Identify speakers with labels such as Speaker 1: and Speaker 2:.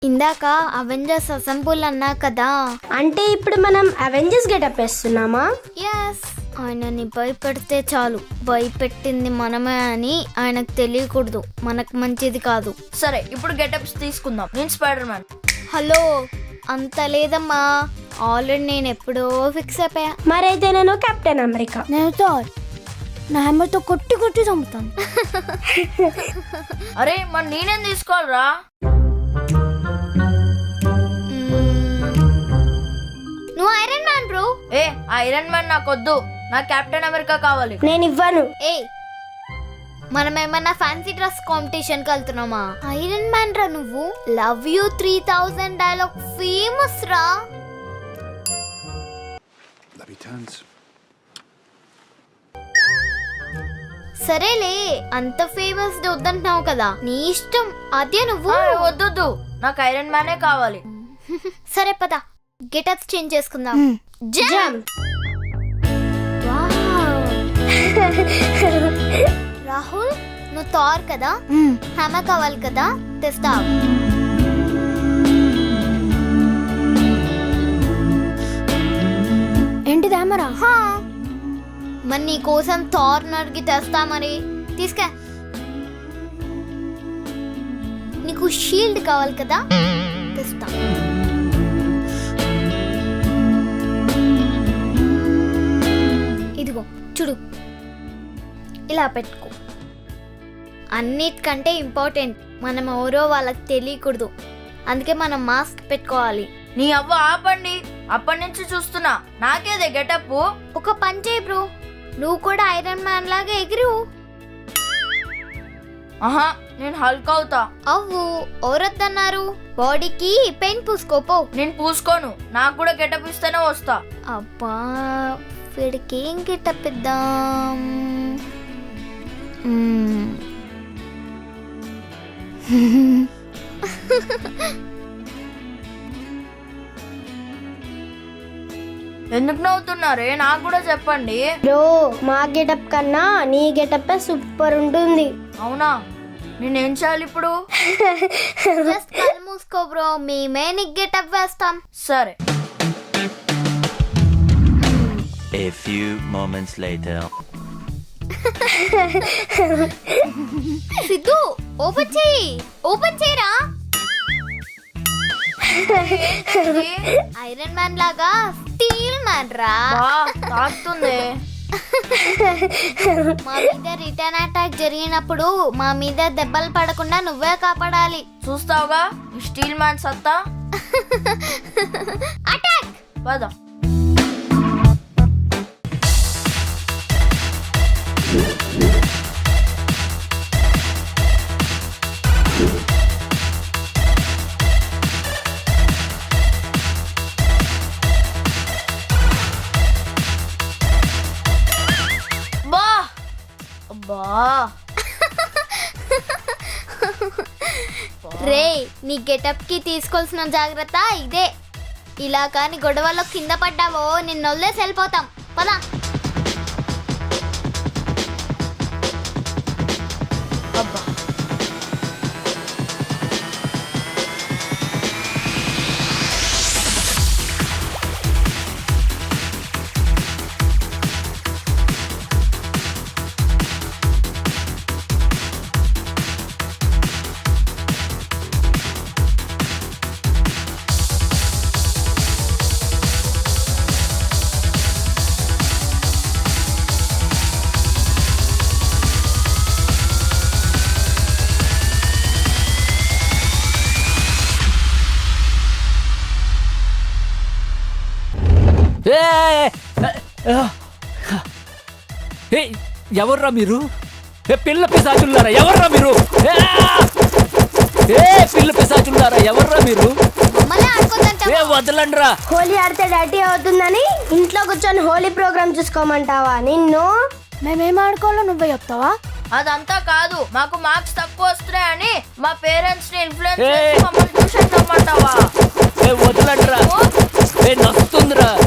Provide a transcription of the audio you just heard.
Speaker 1: ఇందాక Avengers assemble అన్నా కదా,
Speaker 2: అంటే ఇప్పుడు మనం అవెంజర్స్ గెటప్ వేస్తున్నామా?
Speaker 1: ఎస్. ఆయనని భయపెడితే చాలు, భయపెట్టింది మనమే అని ఆయనకు తెలియకూడదు, మనకు మంచిది కాదు.
Speaker 3: సరే ఇప్పుడు గెటప్స్ తీసుకుందాం. నేను స్పైడర్ మ్యాన్.
Speaker 1: హలో, అంత లేదమ్మా, ఆల్రెడీ నేను ఎప్పుడో ఫిక్స్ అయిపోయా.
Speaker 2: మరైతే నేను కెప్టెన్ అమెరికా.
Speaker 1: నేను థార్, నా హ్యామర్తో కొట్టి కొట్టి చంపుతాను.
Speaker 3: అరే మరి నేనేం తీసుకోవాలరా?
Speaker 1: నువ్వు ఐరన్ మ్యాన్ బ్రో.
Speaker 3: ఏ ఐరన్ మ్యాన్ నాకొద్దు, నాకు కెప్టెన్ అమెరికా కావాలి.
Speaker 2: నేను ఇవ్వను.
Speaker 1: ఏ మనం ఏమన్నా ఫ్యాన్సీ డ్రెస్ కాంపిటీషన్ కి వెళ్తున్నామా? ఐరన్ మ్యాన్ రా నువ్వు. లవ్ యూ 3000 డైలాగ్ ఫేమస్ రా. సరేలే, అంత ఫేమస్ వద్దంటున్నావు కదా, నీ ఇష్టం. అదే నువ్వు.
Speaker 3: వద్దు, నాకు ఐరన్ మ్యానే కావాలి.
Speaker 1: సరే పద, గెటప్స్ చేంజ్ చేసుకుందాం.
Speaker 2: జంప్.
Speaker 1: రాహుల్, నువ్వు థార్ కదా, హ్యామర్ కావాలి కదా, తెస్తా. ఏంటిది హ్యామరా? మరి నీ కోసం థార్ నడిగి తెస్తా, మరి తీసుకా. నీకు షీల్డ్ కావాలి కదా, తెస్తా. ఇదిగో చూడు, ఇలా పెట్టుకో. అన్నిటికంటే ఇంపార్టెంట్, మనం ఎవరో వాళ్ళకి తెలియకూడదు, అందుకే మనం మాస్క్ పెట్టుకోవాలి.
Speaker 3: నీ అవ్వ ఆపండి, అప్పటి నుంచి చూస్తున్నా, నాకేదే గెటప్.
Speaker 1: ఒక పని చేయి బ్రో, నువ్వు కూడా ఐరన్ మ్యాన్ లాగా ఎగిరు.
Speaker 3: ఆహా, నేను హల్క్ అవుతా.
Speaker 1: అవ్వు, ఎవరొద్దన్నారు? బాడీకి పెయింట్ పూసుకోపో.
Speaker 3: నేను పూసుకోను, నాకు కూడా గెటప్ ఇస్తేనే వస్తా.
Speaker 1: అబ్బా, వీడికి ఏం గెటప్ ఇద్దాం?
Speaker 3: ఎందుకు నవ్వుతున్నారే, నాకు కూడా చెప్పండి.
Speaker 2: బ్రో, మా గెటప్ కన్నా నీ గెటప్ సూపర్ ఉంటుంది.
Speaker 3: అవునా, నేనేం చేయాలి ఇప్పుడు?
Speaker 1: జస్ట్ కళ్ళు మూసుకో బ్రో, మేమే నీకు గెటప్ వేస్తాం.
Speaker 3: సరే.
Speaker 4: A few moments later.
Speaker 1: Siddhu, open చేయి, ఓపెన్ చేయరా. ఐరన్ మ్యాన్ లాగా స్టీల్ మ్యాన్ రా.
Speaker 3: తాకుతుంది.
Speaker 1: మా మీద రిటర్న్ అటాక్ జరిగినప్పుడు మా మీద దెబ్బలు పడకుండా నువ్వే కాపాడాలి.
Speaker 3: చూస్తావుగా ఈ స్టీల్ మ్యాన్ సత్తా.
Speaker 1: అటాక్.
Speaker 3: పద. బా అబ్బా,
Speaker 1: రే, నీ గెటప్ కి తీసుకోవాల్సిన జాగ్రత్త ఇదే. ఇలా కాని గొడవలో కింద పడ్డావో నిన్ను వదిలేసి వెళ్ళిపోతాం. పదా.
Speaker 3: అబ్బా.
Speaker 5: ఎవర్రా మీరు? పిల్ల పిశాచులారా, ఎవర్రా మీరు? పిల్ల పిశాచులారా, ఎవర్రా మీరు?
Speaker 1: మమ్మల్ని ఆడుకోదంటావా?
Speaker 5: వదలండ్రా.
Speaker 2: హోలీ ఆడితే డర్టీ అవుతుందని ఇంట్లో కూర్చొని హోలీ ప్రోగ్రామ్ చూసుకోమంటావా నిన్ను?
Speaker 1: మేమేం ఆడుకోవాలో నువ్వే చెప్తావా?
Speaker 3: అదంతా కాదు, మాకు మార్క్స్ తక్కువ వస్తున్నాయని మా పేరెంట్స్ ని ఇన్ఫ్లుయెన్స్ చేసి మమ్మల్ని ట్యూషన్ రమ్మంటావా?
Speaker 5: వదలండ్రా. నస్తుందిరా.